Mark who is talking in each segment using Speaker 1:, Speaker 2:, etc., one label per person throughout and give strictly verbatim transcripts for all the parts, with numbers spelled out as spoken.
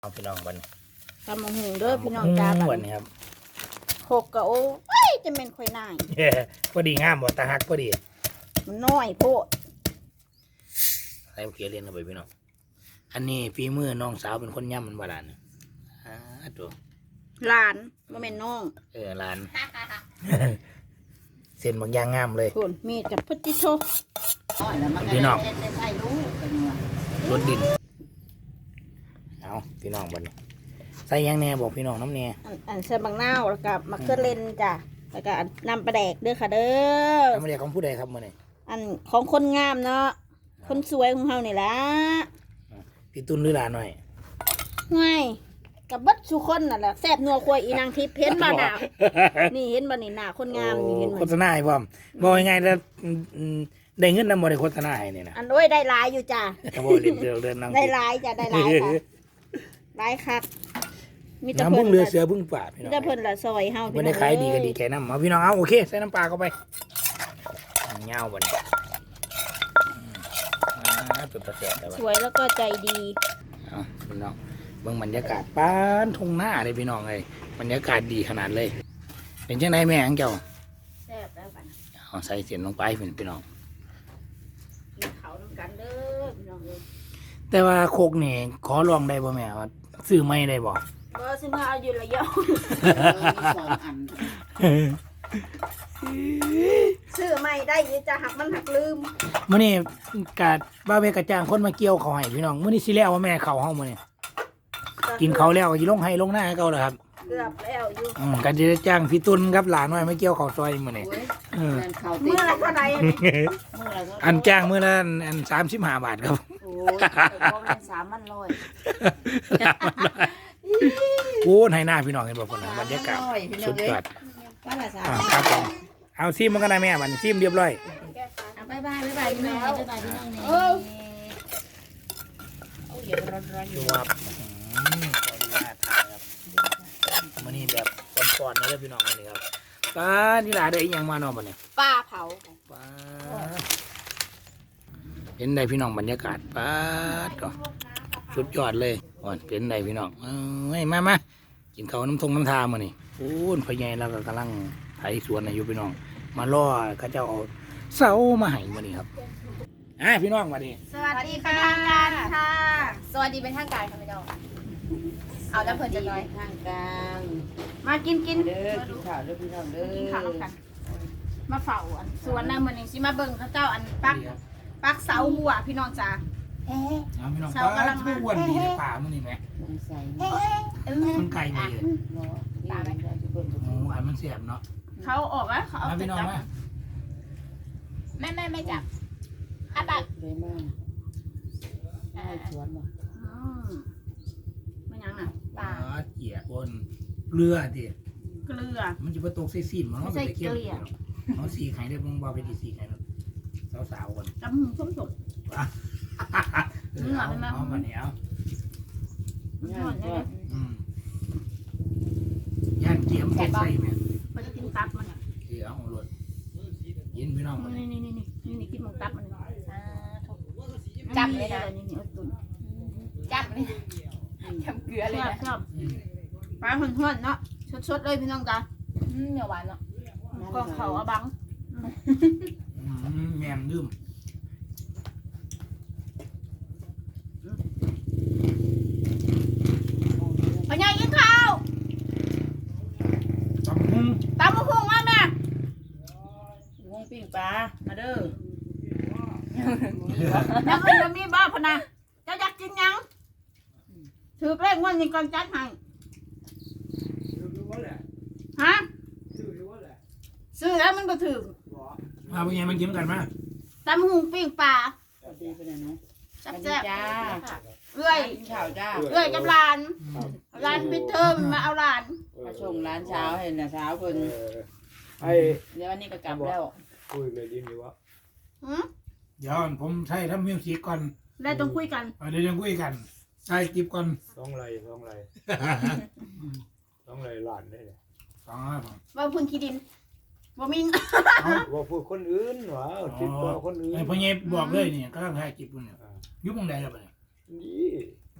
Speaker 1: เอาพี่น้องบัน
Speaker 2: ตำมะฮุงเด้อพี่น้องจ้า
Speaker 1: วันนี้ครับ
Speaker 2: หกกะโอ้เอ้ยจะเป็นข่อยนาย
Speaker 1: พอดีงามบ่ตาฮักพอดี
Speaker 2: มันน้อยโพด
Speaker 1: ใส่เขียเรียนเข้าไปพี่น้องอันนี้ฝีมือน้องสาวเป็นคนย่ำมันบาดาลอ่าตัว
Speaker 2: หลานบ่แม่นน้อง
Speaker 1: เออหลาน เส้นบางอย่างงามเลย
Speaker 2: คุณมีดกับพุทธิโช
Speaker 1: พี่น้องรถดินเอาพี่น้องบันนี้ใส่ยังแน่บอกพี่น้องน้ำแน่
Speaker 2: อันอันใส่บางนาวแล้วก็มะเขือเล่นจ้ะแล้วก็นำปลาแดกเด้อค่ะเด้อ
Speaker 1: น้ำแน่ของผู้ใดครับมื่อนี้
Speaker 2: อันของคนงามเนาะคนสวยของเฮานี่ล่ะ
Speaker 1: พี่ตุ้นหรือหลานหน่อย
Speaker 2: ง่ายกับเบัดสุคนนั่นแหละแซ่บนัวควายอีนางทิพย์เห็นบ่หน้านี่เห็นบ่นี่หน้าคนงามนี่เห็นบ่
Speaker 1: โฆษณาให้พร้อมบอกยังไงแล้วอืมได้เงินนำบ่ได้โฆษณาให้นี่นะ
Speaker 2: อันโอ้ยได้หลายอยู่จ้ะ
Speaker 1: แต่บ่เรียนเดือนเดือนนั่ง
Speaker 2: ได้หลายจ้ะได้หลายค่ะหลายคักมีแต่
Speaker 1: น้ำ
Speaker 2: เพิ่
Speaker 1: พึ่
Speaker 2: น
Speaker 1: งเรือเสือพึ่งป่าพี่
Speaker 2: มี
Speaker 1: น้อง
Speaker 2: แต่เพิ่นละซอยเฮา
Speaker 1: ไม่ได้ขายดีก็ดีแค่น้ำเอาพี่น้องเอาโอเคใส่น้ำปลาเข้าไปเงาบ่เนี่ยอ่าตัวตะแสบแล้ว
Speaker 2: สวยแล้วก็ใจดี
Speaker 1: เอาพี่น้องเบิ่งบรรยากาศป้านทุ่งหน้าเลยพี่น้องเลยบรรยากาศดีขนาดเลยเป็นจังไดแม่อังเจ้า
Speaker 2: แซ่บแล้วกัน
Speaker 1: เอาใส่เสียนลงไปพี่น้อง
Speaker 2: กินข้าวนำกันเด้อพี่น้องเอ้ย
Speaker 1: แต่ว่าโคกนี่ขอลองได้บ่แม่ว่าซื้อไม่ได้บ่
Speaker 2: บ่สิมาเอาอยู่ละเยอะซื้อใหม่ได้อยู่จะหักมันหักลืม
Speaker 1: มื้อนี้กะบ้าเวกระจ้างคนมาเกี่ยวเขาวให้พี่น้องมื้อนี้สิแล้วว่าแม่เขาเฮามื้อนี้กินเขาวแล้วก็สิลงให้ลงหน้าให้เขาแล้วครับ
Speaker 2: เกือบแล้วอยู่
Speaker 1: อืมกันจะจ้างพี่ตุนครับหลานน้อยมาเกี่ยวเขาวซอยมื้อนี้เออ
Speaker 2: เมื่อไรเท่าไหร่
Speaker 1: อันจ้างมื้อละอันสามสิบห้าบาทครับ
Speaker 2: โอ้ยบ่แม่นสามพันร้อย
Speaker 1: โอ้ให้หน้าพี่น้องเห็นบ่พุ่นน่ะบรรยากาศสุดยอด
Speaker 2: ว่าละสาม
Speaker 1: อ่าครับผมเอาซิมมันก็ได้แม่มันซิมเรียบร้อย
Speaker 2: บ๊ายบายบ๊ายบายพี่น้องบ๊ายบายพี่น้องนี่เออเอาเดี๋ยวร้อนๆอยู่
Speaker 1: ดูครับอืมขออนุญาตถ่ายครับมื้อนี้แบบก่อนๆนะเด้อพี่น้องมื้อนี้ครับป้านี่หลาได้อีหยังมาเนาะบัดนี้
Speaker 2: ป้าเผา
Speaker 1: ป้าเป็นได้พี่น้องบรรยากาศป้าดก็สุดยอดเลยอ่อนเป็นได้พี่น้องเอ้ยมามากินข้าวน้ำทงน้ำทามื้อนี้โอ้ยพ่อใหญ่เราก็กำลังไถสวนอยู่พี่น้องมาล่อเขาเจ้าเอาเสามาให้มื้อนี้ครับอ่าพี่น้องมาดิ
Speaker 2: สวัสดีค่ะทางการค่ะ
Speaker 3: สวัสดีเป็นทางการค่ะพี่น้องเอาแล้วเพิ่นจะน้อย
Speaker 4: ทางกลาง
Speaker 2: มากินกิน
Speaker 4: เด้อกินข้าวเด้อพี่น้องเด้อ
Speaker 2: กินข้าวกัน มาเฝ้าอันสวนนะมื้อนี้สิมาเบิ่งเขาเจ้าอันปักปักเสาหัวพี่น้องจ้า
Speaker 3: เอ๊ะ
Speaker 1: เอาพี่น้อง
Speaker 2: เสากำลังมา
Speaker 1: อ้วนดีในป่ามื้อนี้ไหม
Speaker 4: มันใส่
Speaker 3: เอ๊ะเอ๊ะ
Speaker 1: มันไก่ดีเลย
Speaker 4: เนาะนี่เราจะเบิ่ง
Speaker 1: โอ้อันมันเสียบเนาะ
Speaker 2: เขาออกแล้วเขาเอา
Speaker 1: มา
Speaker 2: ไป
Speaker 1: พี่น้อง
Speaker 2: จับ
Speaker 1: มา
Speaker 3: แม่แม่ไม่จับอ่ะปัก
Speaker 4: เลยมากให้สวนบ่
Speaker 2: อืมมันยังอ่ะ
Speaker 1: ปลาเกี่ยบนเรือดิ
Speaker 2: เกลือ
Speaker 1: มันจะไปตกใส่ซีนมัน
Speaker 2: ไม่ใช่เกลี่ย
Speaker 1: เขาสีไข่ได้มึงบอกไปดีสีไข่สาวๆก่อน
Speaker 2: จำหูส้มสด
Speaker 1: เออเอาเอามาเนี่ยเอา
Speaker 4: งานก็
Speaker 1: อืมย่านเกี๊ยมเป็ดใส่ไหม
Speaker 2: มันจะกินตับมันอ่ะ
Speaker 1: เออเอาหลดยินพี่น้องมา
Speaker 2: นี่นี่นี่นี่นี่นี่กินหมูตับมัน
Speaker 3: อ่าถูกจับเลยนะ
Speaker 2: นี่นี่เอาตุ่น
Speaker 3: จับเลยทำเกลือเลย
Speaker 2: ชอบ
Speaker 3: นะ
Speaker 2: ชอบปลาเพื่อนๆเนาะสดๆเลยพี่น้องจ้า
Speaker 3: อืมเหนียวหวานเนาะ
Speaker 2: กองเขาเอาบัง
Speaker 1: แมนลืม
Speaker 2: พ่อใหญ่กินข้าว
Speaker 1: ตำหุ้ง
Speaker 2: ตามมาพุงมาแม่
Speaker 4: วงปิ้งปลามาเด้อ
Speaker 2: ยังอื่นจะมีบ้าพนะจะอยากกินยังถือเลขวันนี้ก่อนจัดให้ฮะซื้อแล้วมันก็ถือ
Speaker 1: มาเป็นไงมันกินกันมา
Speaker 2: ตำหูปิ้งปลา
Speaker 4: สวัสดีเพิ่นน่ะเนาะ
Speaker 2: แซ่บ
Speaker 4: จ้า
Speaker 2: ๆเอื้อย
Speaker 4: กินข้าวจ้า
Speaker 2: เอื้อยกับหลานหลานปิดเทอมมาเอาหลาน
Speaker 4: มาส่งร้านเช้าให้น่ะเช้าเพิ่น
Speaker 5: ไอ้
Speaker 4: เดี๋ยววันนี้ก็กลับแล้ว
Speaker 5: คุยเลยยินดีวะ
Speaker 2: หืม
Speaker 1: เดี๋ยวผมใช้ทำมิวสิกก่อน
Speaker 2: ได้ต้องคุยกัน
Speaker 1: เดี๋ยวยังคุยกันใส่กิบก่อน
Speaker 5: สองไรสองไรสองไรหลานได้เลย
Speaker 1: สองห้าผม
Speaker 2: ว่าพื้นขี้ดินว่ามี
Speaker 5: ว่าพูดคนอื่นวะติดต่อคนอื่น
Speaker 1: ไอ้พ่อเย็บบอกเลยนี่ก็ต้องถ่ายกิบคุณเนี่ยยุบมองใดแล้วไป
Speaker 5: นี่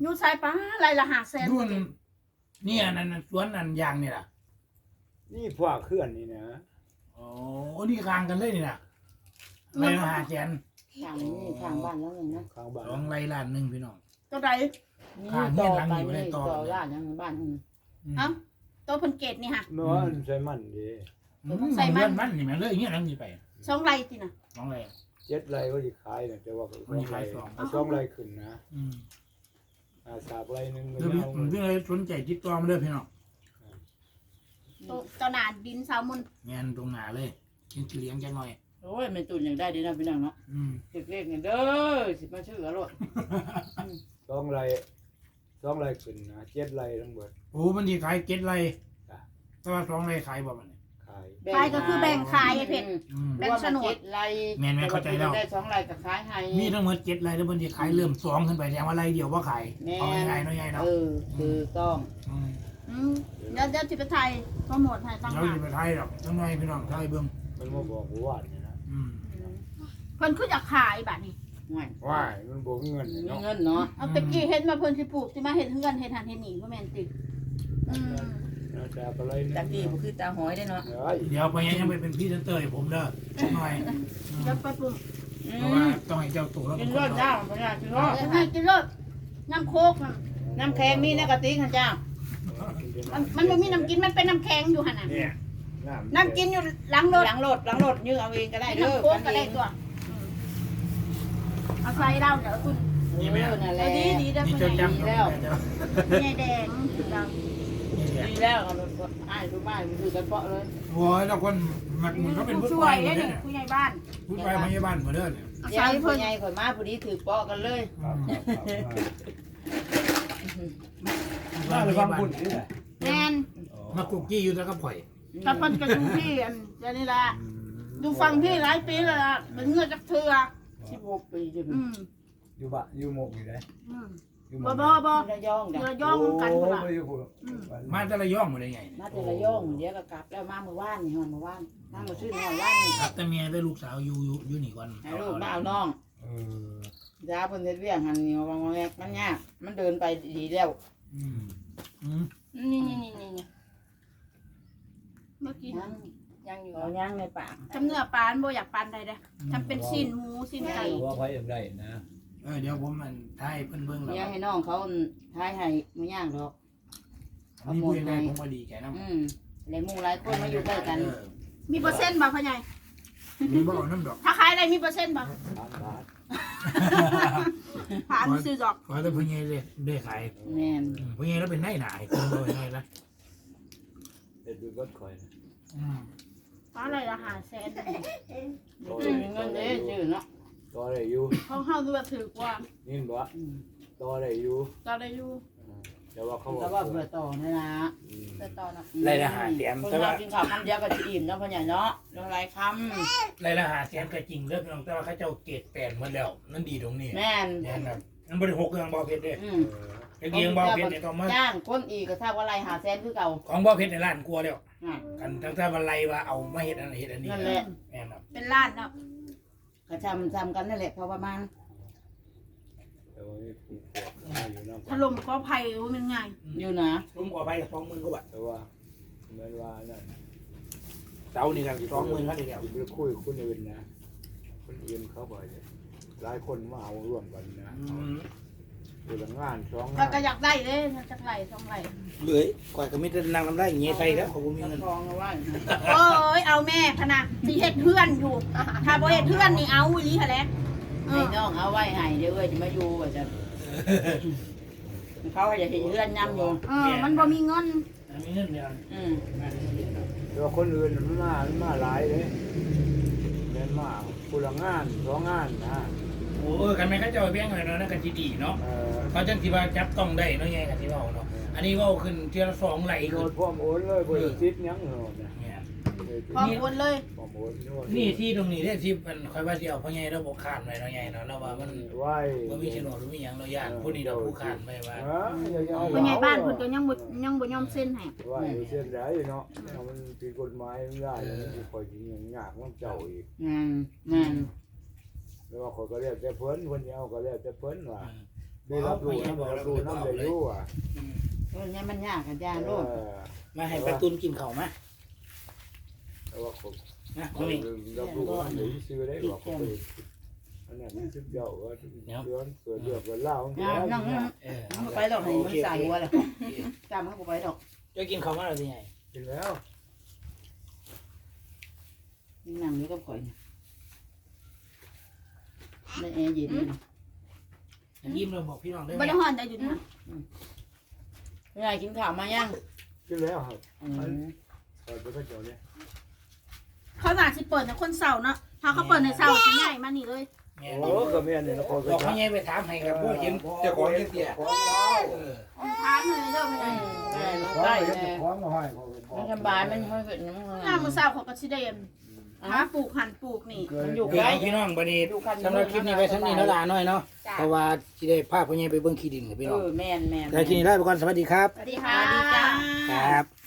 Speaker 2: อยู่ไสปะไรละห้าแสน
Speaker 1: รุ่นนี่อันนั้นสวนอันยางนี่ล่ะ
Speaker 5: นี่พวกเคลื่อนนี่นะ
Speaker 1: โอ้นี่กลางกันเลยนี่น่ะไรละห้าแสน
Speaker 4: ทางนี้ทางบ้านแล้วนึงนะ
Speaker 5: ข้างบ้าน
Speaker 1: สองไรล้านหนึ่งพี่น้อง
Speaker 2: ตัวใด
Speaker 4: นี่ต่อไปนี่ต่อร้านยังบ้านนึง
Speaker 1: อืม
Speaker 2: เอ้าตัวเพิ่นเกตนี่ค่ะ
Speaker 5: เมื่อวานใส่มันดี
Speaker 1: อืมใส่มันมันนี่มันเลยอย่างเงี้ยนั่งนี่ไป
Speaker 2: สองไรติน่ะ
Speaker 1: สองไร
Speaker 5: เจ็ดไรก็จะขายนะแต่ว่า
Speaker 1: มันจะขายสอง
Speaker 5: สองไรขึ้นนะ
Speaker 1: อืม
Speaker 5: อาสากไรหนึ่ง
Speaker 1: เรื่องนี้เรื่องอะไรสนใจติดต่อมาเลยพี่น้อง
Speaker 2: ตัวตัวหนาดินสาวมุน
Speaker 1: งานตรงหนาเลยกินเลี้ยงจังหน่อย
Speaker 4: โอ้ยแม่ตุ่นยังได้ดีนะพี่น้องเนาะ
Speaker 1: อืม
Speaker 4: เล็กๆเนี่ยเด้อสิมาชื่ออร่อย
Speaker 5: สองไรสองไรขึ้นนะเจ็ดไรทั้งหมด
Speaker 1: โอ้มันที่ขายเก็ดไรแต่ว่าสองไรขายบ่มันเนี่ย
Speaker 5: ขาย
Speaker 2: ขายก็คือแบ่งขายไอ้เพชร
Speaker 1: อืม
Speaker 2: แบ่งโฉนด
Speaker 4: ไร
Speaker 1: แม่นๆเข้าใจแล้ว
Speaker 4: ได้สองไรกับขายให้
Speaker 1: มีทั้งหมดเจ็ดไรแล้วมันที่ขายเริ่มสองขึ้นไปแต่ว่าไรเดียวว่าขายเอาง่ายๆเนาะง่ายเนาะ
Speaker 4: เออคือต้อง
Speaker 1: อืม
Speaker 2: อืมเดี๋ยวเดี๋ยวสิไปไทยโปรโมทให้ตั้ง
Speaker 1: เรา
Speaker 2: หา
Speaker 1: จะไปไทยหรอกจังหน่อยพี่น้องไทยเบิ่ง
Speaker 5: มันมาบอกว่าเนี่ยนะ
Speaker 1: อืม
Speaker 2: เพิ่นคืออยากขายบัดนี้
Speaker 4: ง่าย
Speaker 5: ว่ายมันบอกเงิน
Speaker 4: มี
Speaker 5: เนาะ
Speaker 4: เงินเนาะ
Speaker 2: เอาตะกี้เฮ็ดมาเพิ่นสิปลูกสิมาเฮ็ดเฮือนเฮ็ดหันเฮ็ดนี่บ่แม่นติอืม
Speaker 5: นะแต่อะไรนึง
Speaker 4: ตะกี้บ่คือตาหอยได้เนาะ
Speaker 5: เฮ้ย
Speaker 1: เดี๋ยวไปยังไปเป็นพี่เซนเตอร์ให้ผมเด้อจังหน่อยอืม
Speaker 2: เดี๋ยวไปปลูก
Speaker 1: เพราะว่าต้องให้เจ้าตัวแล้ว
Speaker 4: กิ
Speaker 1: เป็น น
Speaker 4: ร
Speaker 1: คน
Speaker 4: ส
Speaker 1: เนาะ
Speaker 4: จ้าพญากินรส
Speaker 2: เดี๋ยวให้กินรสน้ำโคกน่ะ
Speaker 4: น้ำแข็งมีในกระติกค่ะจ้า
Speaker 2: มันมันบ่มีน้ำกินมันเป็นน้ำแข็งอยู่หั่นน่ะ
Speaker 5: เนี่ย
Speaker 2: น้ำกินอยู่หลังรถ
Speaker 4: หลังรถหลังรถยื้อเอาเองก็ได้เด้อ
Speaker 2: น้ำโคกก็ได้ตัวอืมเอาใส่เหล้าเดี๋ยวคุณ
Speaker 1: นี่ไหม
Speaker 4: นั่นแห
Speaker 2: เอ
Speaker 4: ละ
Speaker 2: อดีดีเด้อ
Speaker 1: นี่
Speaker 2: เพิ่น
Speaker 1: เจ้า
Speaker 2: ให้
Speaker 1: จำ
Speaker 4: ดี
Speaker 1: ได้
Speaker 4: แล้ว
Speaker 1: เจ้า
Speaker 2: ใหญ่แดงเรา
Speaker 1: นี่แหละ
Speaker 4: ดีแล้วเอารถอ้ายดูบ้านดูกันเปาะเลย
Speaker 1: โอ้ยแล้วคนมักมันเขาเป็นผู้
Speaker 2: ช่
Speaker 1: ช่
Speaker 2: ว
Speaker 1: วย ย
Speaker 2: ได้
Speaker 1: เนี่ย
Speaker 2: นี่ผู้ใหญ่บ้าน
Speaker 1: ผู้ช่วยพยาบาลเหมือนเดิมเนี่ย
Speaker 2: เอา
Speaker 4: ยั
Speaker 2: ใส่
Speaker 4: ง
Speaker 2: เพิ่น
Speaker 4: ใหญ่ข่อยมาพอดีถือเปาะกันเลย
Speaker 5: น่าจะฟังคุณนี่แหละ
Speaker 2: แม่น
Speaker 1: มากุกกี้อยู่แล้วก็ปล่อย
Speaker 2: กับเพิ่นก็อยู่พี่อันเดี๋ยวนี้ล่ะอยู่ฟังพี่หลายปีแล้วล่ะเป็นเงือกจักเทื่อ
Speaker 4: สิบหกปีจะเป็
Speaker 2: อื
Speaker 4: น
Speaker 2: ม
Speaker 5: อยู่บะอยู่หมกอยู่ไหน
Speaker 2: อืม
Speaker 5: อยู่หม
Speaker 2: บ่
Speaker 5: ก
Speaker 2: บ่บ่
Speaker 4: ระยอง
Speaker 2: เรื
Speaker 4: จ้ะ
Speaker 2: อย่องกันพุ่นล่ะ
Speaker 5: โอ้ยอยู่
Speaker 1: มาแต่ละย่องหมดเลยไง
Speaker 4: มาแต่ระยองเดี๋ยวก็กลับแล้วมาเมื่อวานนี่ฮอนเมื่อวานมาเมื่อชื่อฮอนว่านนี่
Speaker 1: ครับแต่เมียได้ลูกสาวอยู่อยู่อยู่นี่ก่อน
Speaker 4: ให้ลูกมาเอาน้อง
Speaker 5: เออย
Speaker 4: าเพิ่นเฮ็ดเวียงหันนี่วางแงกมันยากมันเดินไปดีแล้ว
Speaker 1: อืมอืม
Speaker 3: นี่นี่นี่นี่
Speaker 2: เมื่อกี้
Speaker 4: ยัง
Speaker 3: ยังอยู่
Speaker 4: เอาย่างในปาก
Speaker 2: จำเนื้อปลาอันบ่อยากปานใดเด้อทำเป็นชิ้นหมูชิ้นไก่
Speaker 5: ว่าไปอย่างไรนะ
Speaker 1: เออเดี๋ยวผมมันทายเพิ่นเบิ่งแล้ว
Speaker 4: ย่างให้น้องเขาทายให้มันย่างดอก
Speaker 1: มีผู้ยังไงผมก็ดีแกน้ำ
Speaker 4: อืมหลายหมู่หลายคนมาอยู่ใกล้กัน
Speaker 1: เออ
Speaker 2: มีเปอร์เซ็นต์บ่พ่อใหญ่
Speaker 1: มีบ่เอาน้ำดอก
Speaker 2: ถ้าขายได้มีเปอร์เซ็นต์บ่
Speaker 5: สามบาท
Speaker 2: ผ่านซื้อดอก
Speaker 1: ขอแต่ผู้ใหญ่เลยได้ขาย
Speaker 4: แม่น
Speaker 1: อืมผู้ใหญ่แล้วเป็นนายหน่ายคนบ่เป็นนายละ
Speaker 5: เด็ดดูรถคอย
Speaker 1: อืม
Speaker 2: อะไรละห้าแสน
Speaker 4: มีเงินเด้ชื่อเนาะ
Speaker 5: ต่อได้อยู่
Speaker 2: ของเฮาดูว่าถือกว่า
Speaker 5: นี่บ่
Speaker 4: อืม
Speaker 5: ต่อได้อยู่
Speaker 2: ก็ได้อยู่
Speaker 5: แต่ว่าเขาบ
Speaker 4: แต่
Speaker 5: อก
Speaker 4: ว่าเพื่อต่อนี่นะ
Speaker 3: ไปต่อเนาะ
Speaker 1: รายละหาแสน
Speaker 4: คน
Speaker 1: แต่
Speaker 4: เรา
Speaker 1: ว่า
Speaker 4: กินข้าวคำเดียวก็จะอิ่มเนาะพ่อใหญ่เนาะเรื่องไรค
Speaker 1: รายละหาแสนก็จริงเด้อพี่น้องแต่ว่าเขาเจ้าเกรดแปดหมดแล้วนั่นดีตรงนี้
Speaker 4: ำแม่น
Speaker 1: แน่นอนมันบ่ได้หกเครื่องบ่เพชรเด้
Speaker 4: อื
Speaker 5: เอ
Speaker 4: ม
Speaker 5: อ
Speaker 1: ตะเกียงบ่เพชรเนี่ยต้องมา
Speaker 4: จ้างคนอีกก็ทราบว่าไรหาแสนคือเก่า
Speaker 1: ของบ่เพชรในร้านกลัวแล้ว
Speaker 4: อ่ะ
Speaker 1: กันทั้งแต่ว่าไรว่าเอามาเฮ็ดอันนั้นเฮ็ดอันนี้
Speaker 4: นั่นแหละ
Speaker 1: แม่นครับ
Speaker 2: เป็นล้านเนาะ
Speaker 4: ก็จำจำกันนั่นแหละเพราะประมาณ
Speaker 5: แต่ว่านี่ผูกคอมาอยู่น้ำ
Speaker 2: ถล่มก็ภัยว่ามันง่าย
Speaker 4: อยู่นะ
Speaker 1: ผมขอไปสองหมื่นกว่าบาท
Speaker 5: แต่ว่าเหมือนว่านั่น
Speaker 1: เสานี่กันสองหมื่นครับทีเดียว
Speaker 5: ไปคุยคนอื่นนะคนอื่นเขาบอกหลายคนมาเอาร่วมกันนะ
Speaker 1: อืม
Speaker 5: คือละงานสอง
Speaker 2: ก็
Speaker 5: งาน
Speaker 2: ก็อยากได้เด้จักไหลสองไหล
Speaker 1: เลยก่อยก็มีแต่นางลำได้อย่างเงี้ยใส่แล้วเขาบ่มีเงิน
Speaker 4: ทองเอาไว้
Speaker 2: โอ้ยเอาแม่พะนะสิเฮ็ดเพื่อนอยู่ ถ้าบ่เฮ็ดเพื่อนนี่เอาอีหลีหั่นแหละเอ
Speaker 4: ให้
Speaker 2: อ
Speaker 4: น้องเอาไว้ให้เดี๋ยวเอ้ยจะมาอยู่ว่าจะเขาจะเห็นเลื่อนย้ำอยู่
Speaker 2: เออมันบ่มีเงิน
Speaker 1: มีเงินเดือน
Speaker 4: อืม
Speaker 5: แต่ว่าคนอื่นมันมามันมาหลายเลยเน้นมาคนละงานสองงานนะ
Speaker 1: โอ้ยกันแม่เขาเจ้าแบ่งไว้เนาะนั่นก็สิดีเนาะ
Speaker 5: เออ
Speaker 1: เขาจังสิว่าจับต้องได้เนาะไงกันสิเว้าเนาะอันนี้เว้าขึ้นเทียละสองไหล
Speaker 5: โด
Speaker 1: ขึ้
Speaker 5: น
Speaker 1: น
Speaker 5: พร้อมโอนเลยบริษัทยังเหรอเนี่ย
Speaker 1: เนี่ย
Speaker 2: พร้อมโอนเลย
Speaker 5: พร้อมโอนโน่น
Speaker 1: นี่ที่ตรงนี้เนี่ยที่มันคอยว่าสิเอาพ่อใหญ่เราบ่คานไว้เนาะใหญ่เนาะแล้วว่ามัน
Speaker 5: ไหว้
Speaker 1: บ่มีโฉนดหรือมีหยังเราย่านผู้นี้เราผู้คานไว้ว่า
Speaker 5: เอออย่าอย่าเอา
Speaker 2: ผู้ใหญ่บ้านเพิ่นก็ยังบ่ยังบ่ยอมเซ็นให้
Speaker 5: ไหว้อยู่เส้นไหนเนาะเอามันผิดกฎหมายไม่ได้แล้วมันจะคอยยิงอย่างยากมันเจ้าอีก
Speaker 4: งานงาน
Speaker 5: แล้วว่าเขาก็เรียกแต่เพิ่นคนเดียวก็เรียกแต่เพิ่นว่าได้รับรู้นะบอกรับรู้น้ำได้รู้อ่ะ
Speaker 4: เออเนี่ยมันยากกันยาโลด
Speaker 1: มาให้ปลาตุนกินข้าวมา
Speaker 5: แต่ว่าผม
Speaker 1: นะ
Speaker 5: เรา
Speaker 1: นี่
Speaker 5: รับรู้ว่าเดี๋ยวซื้อได้บอกเขาไปอันนั้นมันชุดเดียวว่าเดือนเกิดเดือดเกิดเล่า
Speaker 4: อ่านั่งนั่ง
Speaker 1: เออ
Speaker 4: มันไปดอกให้มันใส่หัวเลยจำมันก็ไปดอก
Speaker 1: จะกินข้าวมาแล้วสิไง
Speaker 5: กินแล้ว
Speaker 4: นั่งอยู่กับข่อยในแอร์เย็น
Speaker 1: ยิ้มเราบอกพี่น้องได้
Speaker 2: บ่
Speaker 1: ไหม
Speaker 2: ได้ฮ้อนได้อยู่นะ
Speaker 4: เวลากินข้าวมายัง
Speaker 5: กินแล้วครับ
Speaker 4: อืม
Speaker 5: เปิดไปก็เจอเนี่ย
Speaker 2: เขาน่าสิเปิดในคนเสาร์เนาะถ้าเขาเปิดในเสาร์สิใหญ่มานี่เลย
Speaker 1: แม่
Speaker 5: โอ้ก็แม่เนี่ยนะพอ
Speaker 1: บอกให้ยายไปถามให้กับผู้เห็นเจ้าของเห็นเตี้ย
Speaker 5: ของเรา
Speaker 1: เออ
Speaker 2: ทานเลยเด้อแม่
Speaker 4: แม่น้อง
Speaker 5: ของ
Speaker 4: ได้
Speaker 5: เรา
Speaker 4: แม่
Speaker 5: ของเราให้
Speaker 4: มันสบายมันค่อยเกิดน้ำมัน
Speaker 2: ยามมื้อเช้าเขาก็สิได้หาปลูกหั่นปลูกนี่
Speaker 4: มันอยู่
Speaker 1: คือ
Speaker 4: ใกล้
Speaker 1: เอาพี่น้องบัดนี้สำหรับคลิปนี้ไว้เท่านี้เนาะล่ะน้อยเนาะเพราะว่าสิได้พาพ่อใหญ่ไปเบิ่งขี้ดินกับพี่
Speaker 4: เอ
Speaker 1: น้อง
Speaker 4: อแม่นแม่น
Speaker 1: แล้วทีนี้ลาไปก่อนสวัสดีครับ
Speaker 2: สวัสดีค่ะ
Speaker 4: สวัสดีจ้า
Speaker 1: ครับ